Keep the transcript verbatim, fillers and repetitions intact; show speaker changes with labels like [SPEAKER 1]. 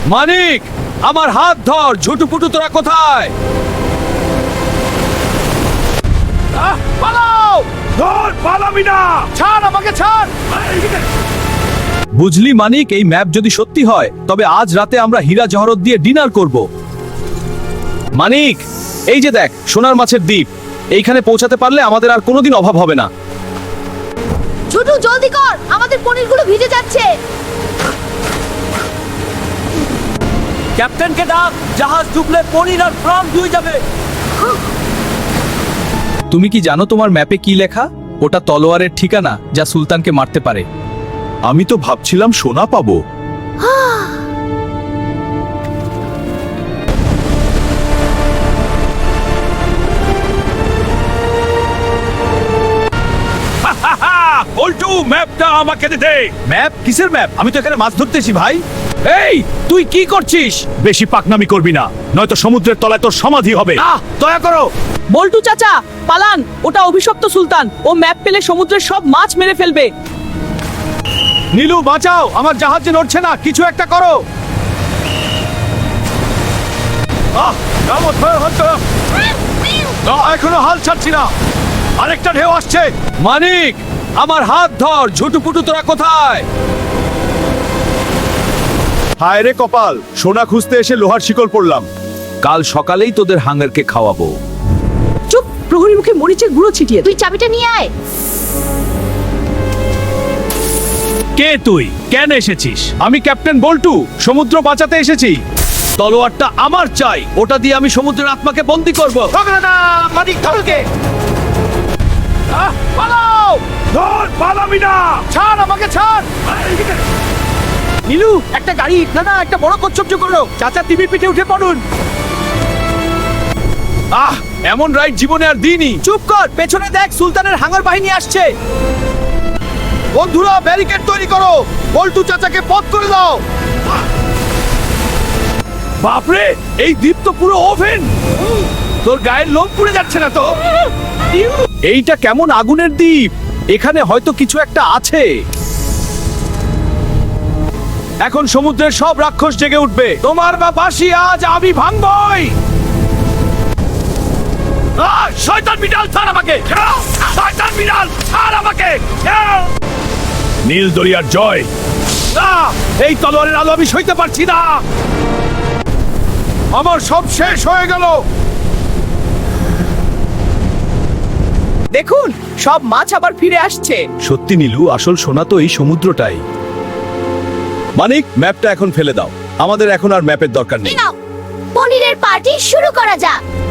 [SPEAKER 1] মানিক, আমার হাত ধর। ঝুটুপুটু তোরা কোথায়? আহ, পালাও! ধর, পালাবি না! ছাড় আমাকে, ছাড়! বুঝলি মানিক, এই ম্যাপ যদি সত্যি হয় তবে আজ রাতে আমরা হীরা জহরত দিয়ে ডিনার করব। মানিক, এই যে দেখ সোনার মাছের দ্বীপ। এইখানে পৌঁছাতে পারলে আমাদের আর কোনোদিন অভাব হবে না।
[SPEAKER 2] ছোটু জলদি কর, আমাদের পনিরগুলো ভিজে যাচ্ছে।
[SPEAKER 1] ক্যাপ্টেনকে ডাক, জাহাজ ডুবলে পনির আর প্রাণ ডুবে যাবে। তুমি কি জানো তোমার ম্যাপে কি লেখা? ওটা তলোয়ারের ঠিকানা যা সুলতানকে মারতে পারে।
[SPEAKER 3] আমি তো ভাবছিলাম সোনা পাবো।
[SPEAKER 1] বল্টু, ম্যাপটা আমাকে দে দে। ম্যাপ? কিসের ম্যাপ? আমি তো এখানে মাছ ধরতেছি ভাই। এই, তুই কি করছিস?
[SPEAKER 3] বেশি পাকনামি করবি না, নয়তো সমুদ্রের তলায় তোর সমাধি হবে।
[SPEAKER 1] আহ, দয়া করো।
[SPEAKER 4] বল্টু চাচা পালান, ওটা অভিশপ্ত সুলতান। ও ম্যাপ পেলে সমুদ্রের সব মাছ মেরে ফেলবে।
[SPEAKER 1] নীলু বাঁচাও, আমার জাহাজ যে নড়ছে না, কিছু একটা করো। আহ, নামো, ধরো, ধরো। না, এখনো হাল ছাড়ছি না। আরেকটা ঢেউ আসছে। মানিক, আমার হাত ধর। ঝুটুপুটু তোরা কোথায়?
[SPEAKER 3] হায় রে কপাল, সোনা খুঁজতে এসে লোহার শিকল পড়লাম।
[SPEAKER 1] কাল সকালেই তোদের হাঙ্গারকে খাওয়াবো।
[SPEAKER 4] চুপ, প্রহরী মুখে মরিচের গুঁড়ো ছিটিয়ে দে।
[SPEAKER 2] তুই চাবিটা নিয়ে আয়।
[SPEAKER 1] কে তুই? কেন এসেছিস? আমি ক্যাপ্টেন বল্টু, সমুদ্র বাঁচাতে এসেছি। তলোয়ারটা আমার চাই, ওটা দিয়ে আমি সমুদ্রের আত্মাকে বন্দী করব। মানিক, ধরকে। আহ, পালাও!
[SPEAKER 3] ধর, পালাবি না!
[SPEAKER 1] ছাড় আমাকে, ছাড়! নীলু, একটা গাড়ি, না না, একটা বড় কচ্ছপ করো। চাচা টিভির পিঠে উঠে পড়ুন। আহ, এমন রাইড জীবনে আর দিইনি। চুপ কর, পেছনে দেখ, সুলতানের হাঙ্গর বাহিনী আসছে। বন্ধুরা, ব্যারিকেড তৈরি করো। বল্টু চাচাকে পথ করে দাও। বাপরে, এই দ্বীপ তো পুরো ওভেন। তোর গায়ের লোম পুড়ে যাচ্ছে না তো? এইটা কেমন আগুনের দ্বীপ? এখানে হয়তো কিছু একটা আছে। এখন সমুদ্রের সব রাক্ষস জেগে উঠবে। তোমার বা বাঁশি আজ আমি ভাঙবই। আহ, শয়তান বিড়াল, ছাড় আমাকে! শয়তান বিড়াল, ছাড় আমাকে!
[SPEAKER 3] নীল দরিয়ার জয়।
[SPEAKER 1] না, এই তলোয়ারের আলো আমি সইতে পারছি না। আমার সব শেষ হয়ে গেল।
[SPEAKER 4] দেখুন, সব মাছ আবার ফিরে আসছে।
[SPEAKER 1] সত্যি নীলু, আসল সোনা তো এই সমুদ্রটাই। মানিক, ম্যাপটা এখন ফেলে দাও। আমাদের এখন আর ম্যাপের দরকার নেই।
[SPEAKER 2] নাও, পনিরের পার্টি শুরু করা যাক।